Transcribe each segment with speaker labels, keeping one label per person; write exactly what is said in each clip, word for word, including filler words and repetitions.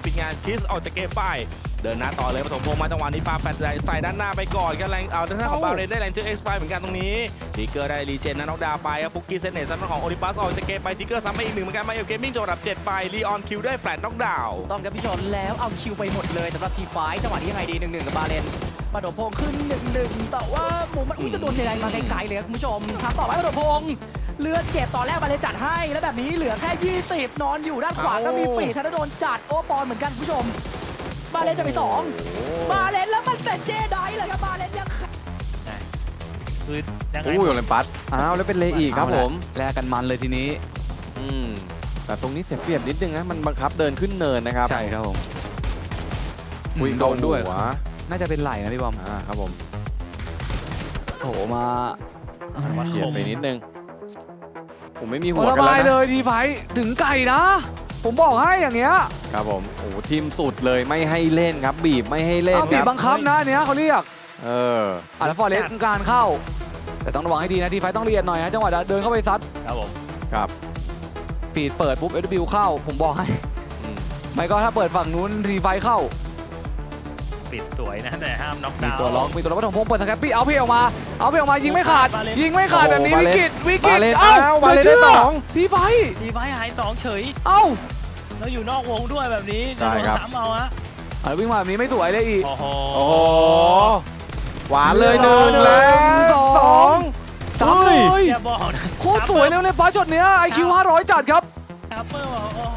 Speaker 1: ปิดงานคิสออกจากเกมไปเดินหน้าต่อเลยปฐมพงษ์มาจังหวะนี้ปาแฟดใส่ด้านหน้าไปก่อนกันแรงเอาด้านหน้าของบาเรนได้แรงเจอเอ็กซ์ไปเหมือนกันตรงนี้ทิกเกอร์ได้รีเจนนะน็อกดาวไปครับฟุกกี้เซนเนตซัมของโอลิมปัสออกจากเกมไปทิกเกอร์ซ้ำไปอีกหนึ่งเหมือนกันมาเอลเกมมิ่งจบอันดับเจ็ดไปลีออนคิวได้แฟลตน็อกดาว
Speaker 2: ต้องครับพี่ชนแล้วเอาคิวไปหมดเลยสำหรับทีไฟจังหวะนี้ยังไงดีหนึ่งหนึ่งกับบาเลนปฐมพงษ์ขึ้นหนึ่งหนึ่งแต่ว่าหมูมันอุ้ยจะโดนเจไดมาไกลๆเลยครับคุณผู้ชมทำต่อไปปฐมพงษ์เลือดเจ็บตอนแรกบาเลนจัดให้แล้วแบบนี้เหลือแค่ยี่สิบนอนอยู่ด้านขวาก็มีปีธนดลจัดโอปอนเหมือนกันคุณผู้ชมบาเลนจะไปสองบาเลนแล้วมันเป็นเจไดเลยครับบาเลนยัง
Speaker 3: คือยังไง
Speaker 4: อู้ยโอลิมปัสอ้าวแล้วเป็นเลอีกครับผม
Speaker 2: แลกกันมันเลยทีนี้
Speaker 4: อืมแต่ตรงนี้เสียเปรียบนิดนึงนะมันบังคับเดินขึ้นเนินนะครับ
Speaker 2: ใช่ครับผม
Speaker 4: อุ้ยโดนด้วย
Speaker 2: น่าจะเป็นไหลนะพี่บอม
Speaker 4: อ่าครับผม
Speaker 2: โถมา
Speaker 4: เฉียดไปนิดนึงผมไม่มีหัว
Speaker 2: กันแล้วนะเลยทีไฟถึงไก่นะผมบอกให้อย่างเงี้ย
Speaker 4: ครับผมโอ้ทีมสุดเลยไม่ให้เล่นครับบีบไม่ให้เล่น
Speaker 2: บีบบังคับนะเนี้ยเขาเรียก
Speaker 4: เออ
Speaker 2: อ่ะแล้วฟอร์เรสต์การเข้าแต่ต้องระวังให้ดีนะทีไฟต้องเรียนหน่อยนะจังหวะเดินเข้าไปซัด
Speaker 3: ครับผม
Speaker 4: ครับ
Speaker 2: ปีดเปิดปุ๊บเอ ดับเบิลยู เข้าผมบอกให้ไม่ก็ถ้าเปิดฝั่งนู้นทีไฟเข้า
Speaker 3: ปิดสวยนะแต่ห้ามน็อกดาวน์
Speaker 2: มีตัวล็อกมีตัวล็อกปฐมพงษ์เปิดสแคปปี้เอาเพลออกมาเอาเพลออกมายิงไม่ขาดยิงไม่ขาดแบบนี้วิกฤตวิกฤตเอ้า
Speaker 4: บาเลนได้สอง
Speaker 2: ทีไฟ
Speaker 3: ทีไฟหายสองเฉย
Speaker 2: เอ้า
Speaker 3: แล้วอยู่นอกวงด้วยแบบนี้จะโดนซ้ำเอาฮะ
Speaker 2: วิ่งมาแบบนี้ไม่สวยเลยอีก
Speaker 3: โอ้โห
Speaker 4: หวานเลยหนึ่งแล้วสอง
Speaker 2: สามเลย
Speaker 3: อย่าบอกนะ
Speaker 2: โคตรสวยเลยเลยฟ้าช็อตเนี้ย ไอ คิว ห้าร้อยจัดครับ
Speaker 3: ทัพเปอร์บอกโอ้โห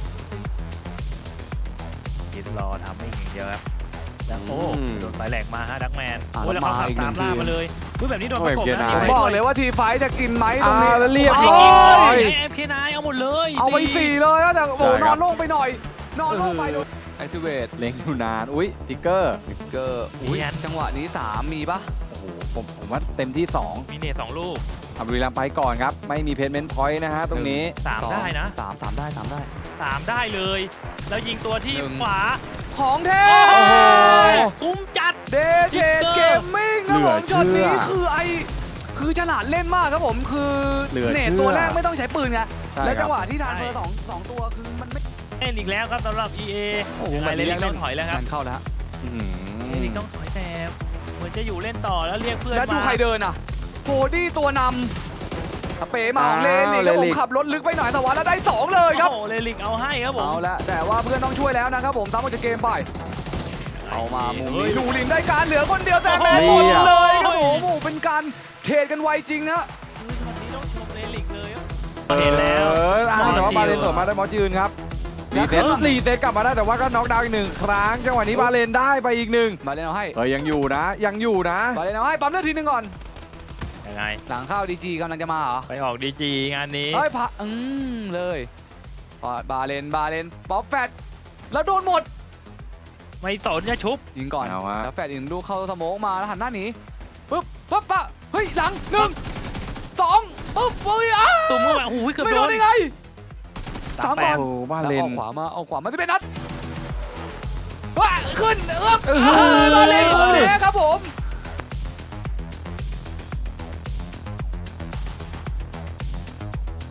Speaker 3: คิดรอทำไม่อย่างเดียวครับแล้วโอ้โดนไฟแหลกมาฮะดักแมนโอ้แล้วเขาขับตามล่ามาเลยแบบนี้โดนประกบนะ
Speaker 2: บอกเลยว่าทีไฟจะกินไหมตรงนี้
Speaker 4: เรียบร้อย
Speaker 3: เอฟเคนายเอาหมดเลย
Speaker 2: เอาไปสี่เลยแต่โอ้นอนลงไปหน่อยนอนลงไปดูแอคทีเวต
Speaker 4: เล็งอยู่นานอุ้ยทิกเกอร์
Speaker 2: ทิกเกอร์อุ้ยจังหวะนี้สามมีปะ
Speaker 4: โอ้โหผมผมว่าเต็มที่สอง
Speaker 3: มีเนตสองลูก
Speaker 4: เอาบุรีรัมย์ไปก่อนครับไม่มีเพนเมนต์พอยต์นะฮะตรงนี้
Speaker 3: สามได้นะ
Speaker 2: สามสามได้สามได้
Speaker 3: สามได้เลยแล้วยิงตัวที่ขวา
Speaker 2: ของเท
Speaker 3: คุ้มจัด
Speaker 2: เดทเทสเกมมิ่งครับผมช็อตนี้คือไอคือฉลาดเล่นมากครับผมคือเนตตัวแรกไม่ต้องใช้ปืนไงและจังหวะที่ทานเฟอร์สองสองตัวคือมันไม่
Speaker 3: เล่นอีกแล้วครับสำหรับ อี เอ
Speaker 2: โอ้โห
Speaker 3: เล่นต้องถอยแล้วครับ
Speaker 2: มันเข้าแล้ว
Speaker 3: เล่นต้องถอยแต่เหมือนจะอยู่เล่นต่อแล้วเรียกเพื่อนมา
Speaker 2: แล้วดูใครเดินอ่ะโคดี้ตัวนำสเปย์มาของเลลิกแล้วผมขับรถลึกไปหน่อยแต่ว่าแล้วได้สองเลยครับ
Speaker 3: โอ้เลลิกเอาให้ครับผม
Speaker 2: เอาละแต่ว่าเพื่อนต้องช่วยแล้วนะครับผมตามมาจากเกมไปเอามามุมนี้ดูลินได้การเหลือคนเดียวแต่แม่หมดเลยครับผมโอ้เป็นการเทรดกันไวจริงนะ
Speaker 3: วันนี้ต้องชมเลลิกเลย
Speaker 4: เห็นแล้วแต่ว่าบาเลนต่อมาได้มอสยืนครับรีเซ็ตรีเซ็ตกลับมาได้แต่ว่าก็น็อกดาวน์อีกหนึ่งครั้งจังหวะนี้บาเลนได้ไปอีกหนึ่ง
Speaker 2: บาเลนเอาให้
Speaker 4: เฮ้ยยังอยู่นะยังอยู่นะ
Speaker 2: บาเลนเอาให้ปั๊มเลือดทีนึงก่อน
Speaker 3: ยังไง
Speaker 2: หลังเข้าดีจีกำลังจะมาเหรอ
Speaker 3: ไปออกดีจีงานนี้
Speaker 2: เฮ้ยพะอืมเลยบาเลนบาเลนป๊อปแฟตแล้วโดนหมด
Speaker 3: ไม่สนจะชุบ
Speaker 2: ยิงก่อนแล้วแฟตอีกลูกเข้าสโมกมาแล้วหันหน้าหนีปึ๊บปึ๊บปะเฮ้ยหลังหนึ่งสองปึ๊บเฮ้ยอ้า
Speaker 3: ตุ่มเข้าไปโอ้โหเกือบ
Speaker 2: โดนได้ไงสามบอล
Speaker 4: บาเลน
Speaker 2: เอาขวามาเอาขวามาที่เป็นนัดว้าขึ้นเอื้อมบาเลนผมแพ้ครับผม